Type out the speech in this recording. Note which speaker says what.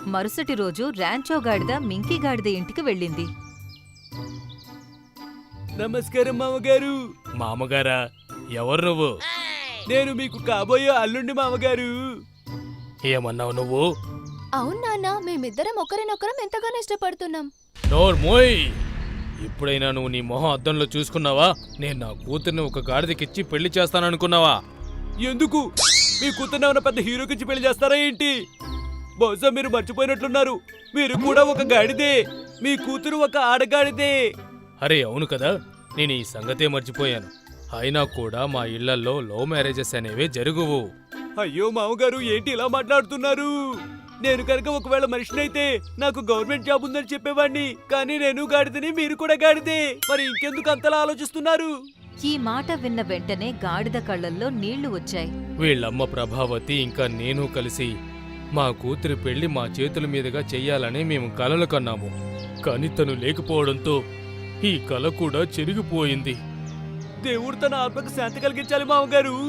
Speaker 1: మరుసటి రోజు ర్యాంచో గాడిద మింకీ గాడిద ఇంటికి వెళ్ళింది.
Speaker 2: నమస్కారం మామగారు.
Speaker 3: మామగారా? ఎవరు నువ్వు?
Speaker 2: నేను మీకు కాబోయే అల్లుండి మామగారు.
Speaker 3: ఏమన్నావు నువ్వు?
Speaker 4: అవును నాన్న, మేమిద్దరం ఒకరినొకరం ఎంతగానో ఇష్టపడుతున్నాం.
Speaker 3: నోర్మోయ్! ఇప్పుడైనా నువ్వు నీ మొహం అద్దంలో చూసుకున్నావా? నేను నా కూతుర్ని ఒక గాడిదకిచ్చి పెళ్లి చేస్తాననుకున్నావా?
Speaker 2: ఎందుకు? మీ కూతుర్ని ఉన్న పెద్ద హీరోకిచ్చి పెళ్లి చేస్తారా ఏంటి? బహుశా మీరు మర్చిపోయినట్లున్నారు, మీరు కూడా ఒక గాడిదే. మీ కూతురు ఒక ఆడగాడిదే.
Speaker 3: అరే అవును కదా, నేను ఈ సంగతే మర్చిపోయాను. అయినా కూడా మా ఇళ్లల్లో లవ్ మ్యారేజెస్ అనేవే జరుగువు.
Speaker 2: అయ్యో మామగారు, ఏంటి ఇలా మాట్లాడుతున్నారు? నేను కనుక ఒకవేళ మనిషినైతే నాకు గవర్నమెంట్ జాబ్ ఉందని చెప్పేవాడిని. కానీ నేను గాడిదని, మీరు కూడా గాడిదే. మరి ఇంకెందుకు అంతలా ఆలోచిస్తున్నారు?
Speaker 1: ఈ మాట విన్న వెంటనే గాడిద కళ్ళల్లో నీళ్లు వచ్చాయి.
Speaker 3: వీళ్ళమ్మ ప్రభావతి ఇంకా నేను కలిసి మా కూతురి పెళ్లి మా చేతుల మీదుగా చెయ్యాలని మేము కలలు కన్నాము. కాని తను లేకపోవడంతో ఈ కల కూడా చెరిగిపోయింది.
Speaker 2: దేవుడు తన ఆత్మకు శాంతి కలిగించాలి మామగారు.